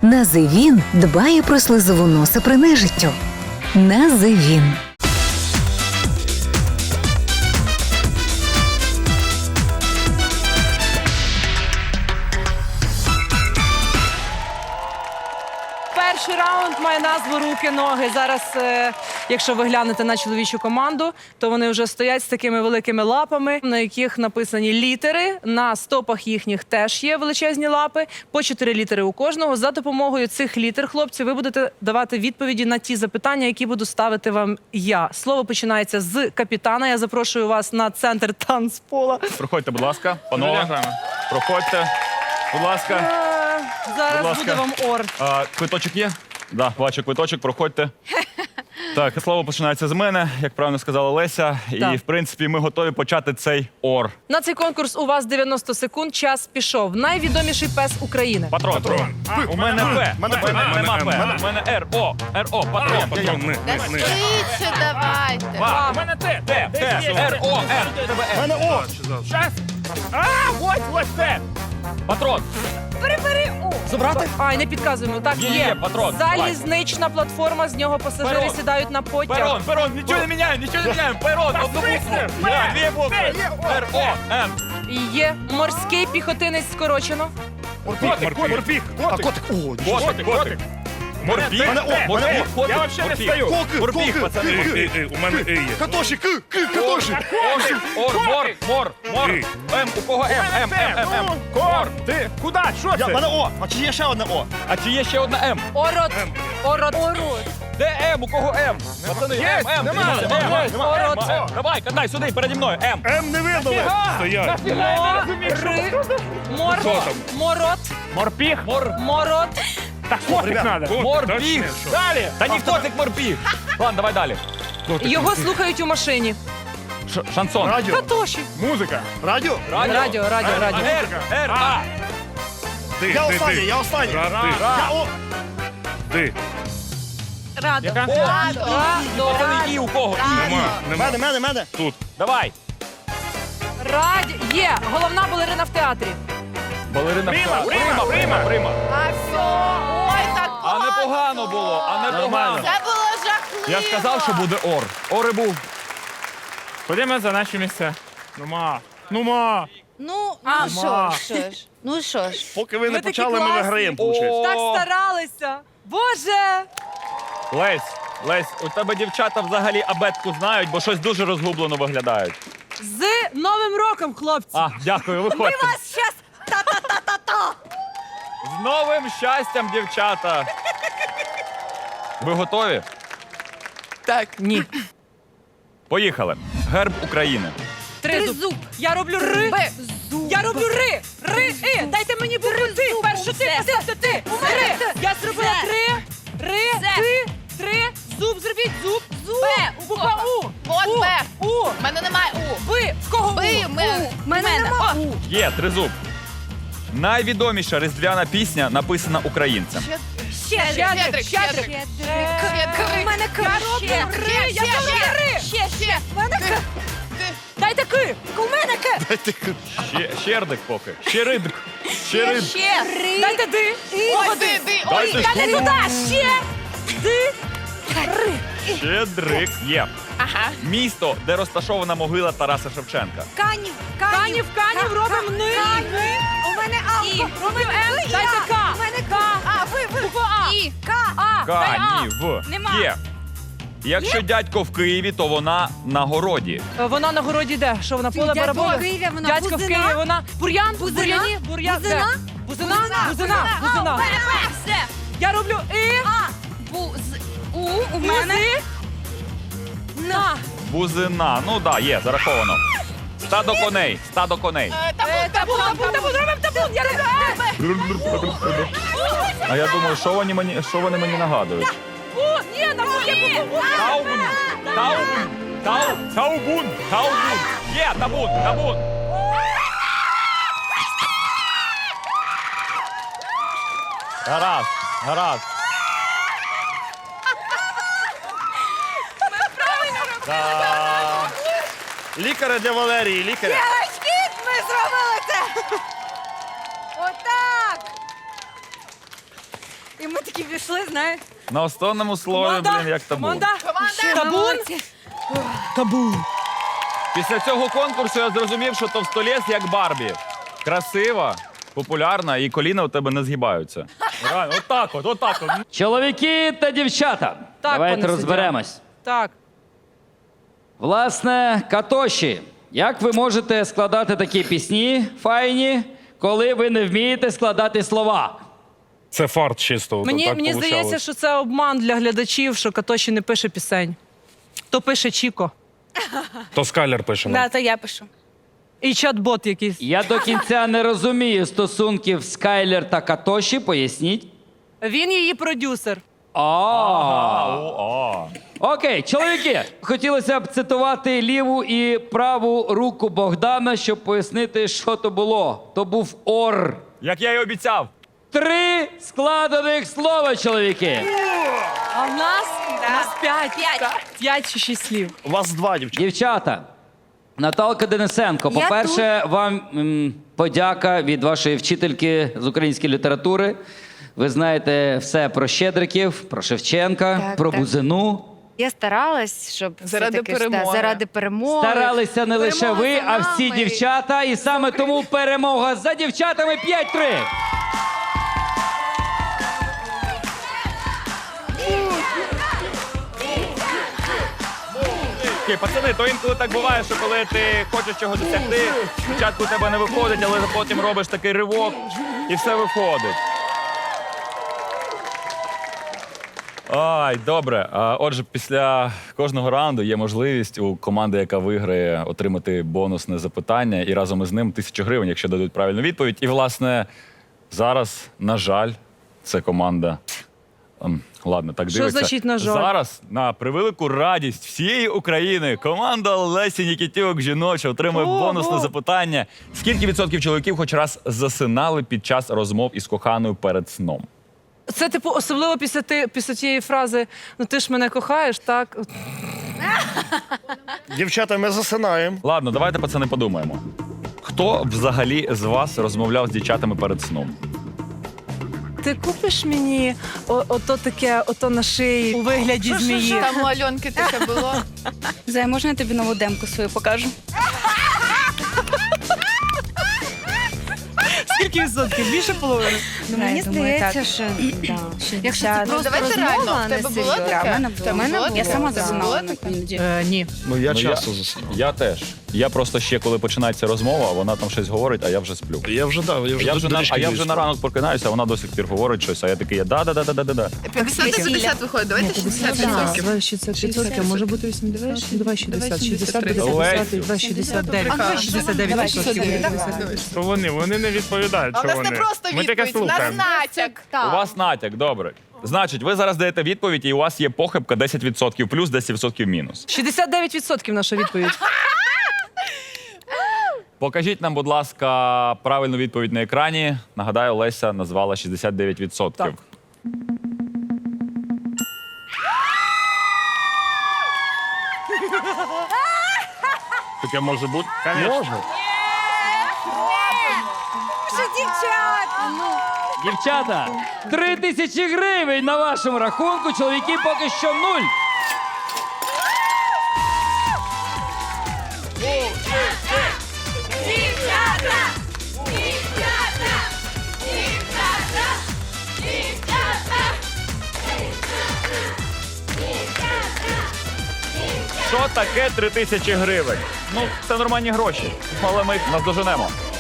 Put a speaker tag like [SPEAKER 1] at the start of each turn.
[SPEAKER 1] Називін дбає про слизову носа при нежиттю. Називін.
[SPEAKER 2] Перший раунд має назву «Руки-ноги». Зараз, якщо ви глянете на чоловічу команду, то вони вже стоять з такими великими лапами, на яких написані літери. На стопах їхніх теж є величезні лапи, по 4 літери у кожного. За допомогою цих літер, хлопці, ви будете давати відповіді на ті запитання, які буду ставити вам я. Слово починається з капітана. Я запрошую вас на центр танцпола.
[SPEAKER 3] Проходьте, будь ласка, панове. Проходьте, будь ласка.
[SPEAKER 2] Зараз
[SPEAKER 3] Будь ласка.
[SPEAKER 2] буде вам орд.
[SPEAKER 3] Квиточок є? Да, бачу квиточок, проходьте. Так, слово починається з мене, як правильно сказала Леся.
[SPEAKER 2] Так.
[SPEAKER 3] І, в принципі, ми готові почати цей ор.
[SPEAKER 2] На цей конкурс у вас 90 секунд. Час пішов. Найвідоміший пес України.
[SPEAKER 3] Патрон. У мене П. У мене П. У мене Р. О, патрон.
[SPEAKER 4] Швидше давайте.
[SPEAKER 3] У мене Т. Р, О, Р. У мене О. Щас. Ось Т. Патрон.
[SPEAKER 2] Забрати? Ай, не підказуємо. Так,
[SPEAKER 3] Є, патрон.
[SPEAKER 2] Залізнична платформа, з нього пасажири
[SPEAKER 3] Перон.
[SPEAKER 2] сідають на потяг.
[SPEAKER 3] Перон, нічого не міняємо. Перон, одну букву. Дві букви. Р, О, Н.
[SPEAKER 2] Є морський піхотинець скорочено.
[SPEAKER 3] Котик. Морпіх. Я вообще не стою. Морпіх, пацани.
[SPEAKER 5] У мене є.
[SPEAKER 6] Катоші, катоші.
[SPEAKER 3] Мор. М, у кого М? М.
[SPEAKER 5] Кор, ти куди? Що
[SPEAKER 6] Я,
[SPEAKER 5] це?
[SPEAKER 6] мене О, а чи є ще одне О?
[SPEAKER 3] А чи є ще одна М?
[SPEAKER 2] Орот.
[SPEAKER 3] Де М? У кого М? Пацани,
[SPEAKER 5] Є,
[SPEAKER 3] М.
[SPEAKER 5] нема.
[SPEAKER 3] Дивіться, М. Давай, катай сюди, переді мною. М.
[SPEAKER 6] М не видно.
[SPEAKER 5] Стоять.
[SPEAKER 2] Морот.
[SPEAKER 5] Морпіх.
[SPEAKER 2] Морот.
[SPEAKER 5] Та котик треба.
[SPEAKER 3] Морпіх. Далі. Та ні, котик морпіх. Ладно, давай далі.
[SPEAKER 2] Його слухають у машині.
[SPEAKER 3] Шансон.
[SPEAKER 6] Радіо.
[SPEAKER 2] Катоші.
[SPEAKER 5] Музика.
[SPEAKER 6] Радіо?
[SPEAKER 2] Радіо.
[SPEAKER 3] Р, А.
[SPEAKER 6] Я останній. Я О.
[SPEAKER 5] Ти.
[SPEAKER 4] Радо.
[SPEAKER 5] Яка?
[SPEAKER 3] Пацани, І у кого? І.
[SPEAKER 6] Мене.
[SPEAKER 5] Тут.
[SPEAKER 3] Давай.
[SPEAKER 2] Є. Головна балерина в театрі.
[SPEAKER 3] Балерина.
[SPEAKER 5] Прима.
[SPEAKER 4] А все. Ой, так
[SPEAKER 3] А непогано було,
[SPEAKER 6] Нормально.
[SPEAKER 4] Це було жахливо.
[SPEAKER 3] Я ж казав, що буде ор. Ори був.
[SPEAKER 5] Ходімо за наші місця. Нума.
[SPEAKER 4] Ну що ж.
[SPEAKER 6] Поки ви не
[SPEAKER 2] такі
[SPEAKER 6] почали, ми
[SPEAKER 2] класні.
[SPEAKER 6] виграємо, виходить.
[SPEAKER 2] Так старалися. Боже.
[SPEAKER 3] Лесь, у тебе дівчата взагалі абетку знають, бо щось дуже розгублено виглядають.
[SPEAKER 2] З Новим роком, хлопці.
[SPEAKER 3] Дякую, виходьте.
[SPEAKER 2] Щас та-та-та-та-та.
[SPEAKER 3] З новим щастям, дівчата! Ви готові?
[SPEAKER 2] Так, ні.
[SPEAKER 3] Поїхали. Герб України.
[SPEAKER 2] Тризуб. Я роблю ри. Я роблю ри. І. Дайте мені букву ти. Першу ти. Ри. Я зробила три. Зуб зробіть. Зуб.
[SPEAKER 4] Б.
[SPEAKER 2] Буква У.
[SPEAKER 4] От Б.
[SPEAKER 2] У.
[SPEAKER 4] У мене немає У.
[SPEAKER 2] Ви. В кого
[SPEAKER 4] Ви,
[SPEAKER 2] У?
[SPEAKER 4] в мене нема.
[SPEAKER 3] Є, тризуб. Найвідоміша різдвяна пісня написана українцем.
[SPEAKER 4] Щедрик.
[SPEAKER 2] У мене К. Я зробила ри.
[SPEAKER 4] Ще.
[SPEAKER 2] Дайте К. У мене К.
[SPEAKER 3] Щердик поки. Щеридик.
[SPEAKER 2] Дайте Ди.
[SPEAKER 4] Ди.
[SPEAKER 3] Дайте
[SPEAKER 2] Дайте
[SPEAKER 3] Ку.
[SPEAKER 2] туди. Ще. Ди. Ри.
[SPEAKER 3] Щедрик є.
[SPEAKER 4] Ага.
[SPEAKER 3] Місто, де розташована могила Тараса Шевченка.
[SPEAKER 2] Канів робимо ни.
[SPEAKER 4] У мене А.
[SPEAKER 2] Робимо М. Дайте К.
[SPEAKER 4] У мене
[SPEAKER 2] К.
[SPEAKER 4] Ви.
[SPEAKER 2] Буква А.
[SPEAKER 4] І.
[SPEAKER 2] А. Дай А.
[SPEAKER 3] Канів.
[SPEAKER 4] Нема.
[SPEAKER 3] Є. Якщо дядько в Києві, то вона на городі.
[SPEAKER 2] Вона на городі йде. Що вона поле бараболи? Дядька в Києві, вона бур'ян, бур'яні, бур'ян. Бузина.
[SPEAKER 4] Все.
[SPEAKER 2] Я роблю І.
[SPEAKER 4] У мене.
[SPEAKER 2] На.
[SPEAKER 3] Бузина. Ну да, є, зараховано. Стадо коней.
[SPEAKER 2] Табун. Робимо табун. Я роблю Е.
[SPEAKER 3] А я думаю, що вони мені нагадують?
[SPEAKER 2] Ні, там є буква
[SPEAKER 3] Таубун. Є, табун. Гаразд.
[SPEAKER 6] Лікаря для Валерії, лікаря.
[SPEAKER 4] Ми зробили це.
[SPEAKER 2] Отак. І
[SPEAKER 4] І ми такі пішли, знаєш.
[SPEAKER 3] На останньому слові, блін, як табун.
[SPEAKER 2] Команда. Табун. Табун.
[SPEAKER 3] Після цього конкурсу я зрозумів, що товстолєс як Барбі. Красива, популярна і коліна у тебе не згибаються.
[SPEAKER 5] Реально, отак от.
[SPEAKER 7] Чоловіки та дівчата,
[SPEAKER 2] Так,
[SPEAKER 7] давайте
[SPEAKER 2] пане
[SPEAKER 7] розберемось.
[SPEAKER 2] Так.
[SPEAKER 7] Власне, Катоші, як ви можете складати такі пісні файні, коли ви не вмієте складати слова?
[SPEAKER 5] Це фарт чисто.
[SPEAKER 2] Мені здається, що це обман для глядачів, що Катоші не пише пісень. То пише Чіко.
[SPEAKER 5] То Скайлер пише.
[SPEAKER 4] Да, то я пишу.
[SPEAKER 2] І чат-бот якийсь.
[SPEAKER 7] Я до кінця не розумію стосунків Скайлер та Катоші, поясніть.
[SPEAKER 2] Він її продюсер.
[SPEAKER 7] Окей, чоловіки, хотілося б цитувати ліву і праву руку Богдана, щоб пояснити, що то було. То був ор.
[SPEAKER 3] Як я й обіцяв.
[SPEAKER 7] 3 складених слова, чоловіки.
[SPEAKER 2] А в нас 5 чи 6 слів.
[SPEAKER 6] У вас 2, дівчата.
[SPEAKER 7] Дівчата, Наталка Денисенко,
[SPEAKER 4] Я
[SPEAKER 7] по-перше, вам подяка від вашої вчительки з української літератури. Ви знаєте все про Щедриків, про Шевченка,
[SPEAKER 8] Так,
[SPEAKER 7] про
[SPEAKER 8] так.
[SPEAKER 7] Бузину.
[SPEAKER 8] Я старалась, щоб
[SPEAKER 4] Заради
[SPEAKER 8] все-таки
[SPEAKER 4] перемоги.
[SPEAKER 8] заради перемоги.
[SPEAKER 7] Старалися не лише
[SPEAKER 8] Перемога
[SPEAKER 7] ви,
[SPEAKER 8] за
[SPEAKER 7] а всі
[SPEAKER 8] нами.
[SPEAKER 7] дівчата. І саме тому перемога за дівчатами 5-3.
[SPEAKER 3] Окей, пацани, то інколи так буває, що коли ти хочеш чогось досягти, спочатку у тебе не виходить, але потім робиш такий ривок і все виходить. Ай, добре. Отже, після кожного раунду є можливість у команди, яка виграє, отримати бонусне запитання і разом із ним 1000 гривень, якщо дадуть правильну відповідь. І, власне, зараз, на жаль, це команда. Ладно, так
[SPEAKER 2] Що
[SPEAKER 3] дивиться.
[SPEAKER 2] значить, на жаль?
[SPEAKER 3] Зараз, на превелику радість всієї України, команда Лесі Нікітюк жіноча отримує бонусне запитання. Скільки відсотків чоловіків хоч раз засинали під час розмов із коханою перед сном?
[SPEAKER 2] Це, типу, особливо після тієї фрази «Ну ти ж мене кохаєш», так?
[SPEAKER 6] Дівчата, ми засинаємо.
[SPEAKER 3] Ладно, давайте, пацани, подумаємо. Хто взагалі з вас розмовляв з дівчатами перед сном?
[SPEAKER 2] Ти купиш мені ото таке, ото на шиї у вигляді змії?
[SPEAKER 4] Там у Альонки таке було.
[SPEAKER 8] Зай, можна я тобі нову демку свою покажу?
[SPEAKER 2] Скільки відсотків? Більше половини?
[SPEAKER 8] Ну, мені здається, що якщо це просто
[SPEAKER 4] давайте
[SPEAKER 8] розмова,
[SPEAKER 4] реально, в
[SPEAKER 8] а не
[SPEAKER 4] тебе було
[SPEAKER 8] серйозно.
[SPEAKER 4] таке?
[SPEAKER 8] В мене
[SPEAKER 4] В тебе
[SPEAKER 8] було.
[SPEAKER 4] було
[SPEAKER 8] Я
[SPEAKER 4] таке?
[SPEAKER 8] сама
[SPEAKER 4] В тебе
[SPEAKER 8] засинала
[SPEAKER 4] було таке?
[SPEAKER 8] іноді.
[SPEAKER 2] Ні.
[SPEAKER 6] Ну, я
[SPEAKER 3] Ну,
[SPEAKER 6] часто засинаю.
[SPEAKER 3] Я теж. Я просто ще, коли починається розмова, вона там щось говорить, а я вже сплю.
[SPEAKER 6] Я вже
[SPEAKER 3] Я вже на ранок прокинаюся, а вона до сих пір говорить щось, а я такий, да-да-да-да-да.
[SPEAKER 4] 50 виходить, давайте 60%.
[SPEAKER 2] 60%, може бути 80, давай 60, 60,
[SPEAKER 3] Лесю.
[SPEAKER 2] 50, 69, 69%.
[SPEAKER 5] То вони не відповідають,
[SPEAKER 4] А
[SPEAKER 5] що
[SPEAKER 4] в нас не
[SPEAKER 5] вони.
[SPEAKER 4] просто
[SPEAKER 5] Ми таке
[SPEAKER 4] відповідь, у нас
[SPEAKER 5] слухаємо.
[SPEAKER 4] натяк.
[SPEAKER 3] У вас натяк, добре. Значить, ви зараз даєте відповідь, і у вас є похибка 10% плюс, 10% мінус.
[SPEAKER 2] 69% наша відповідь.
[SPEAKER 3] Покажіть нам, будь ласка, правильну відповідь на екрані. Нагадаю, Леся назвала 69%.
[SPEAKER 2] Так.
[SPEAKER 5] Таке може бути?
[SPEAKER 6] Можна.
[SPEAKER 4] Що дівчат?
[SPEAKER 7] Дівчата, 3000 гривень на вашому рахунку, чоловіки поки що 0.
[SPEAKER 4] Дівчата! Дівчата! Дівчата! Дівчата!
[SPEAKER 3] Що таке 3000 гривень? Ну, це нормальні гроші, але ми їх наздоженемо.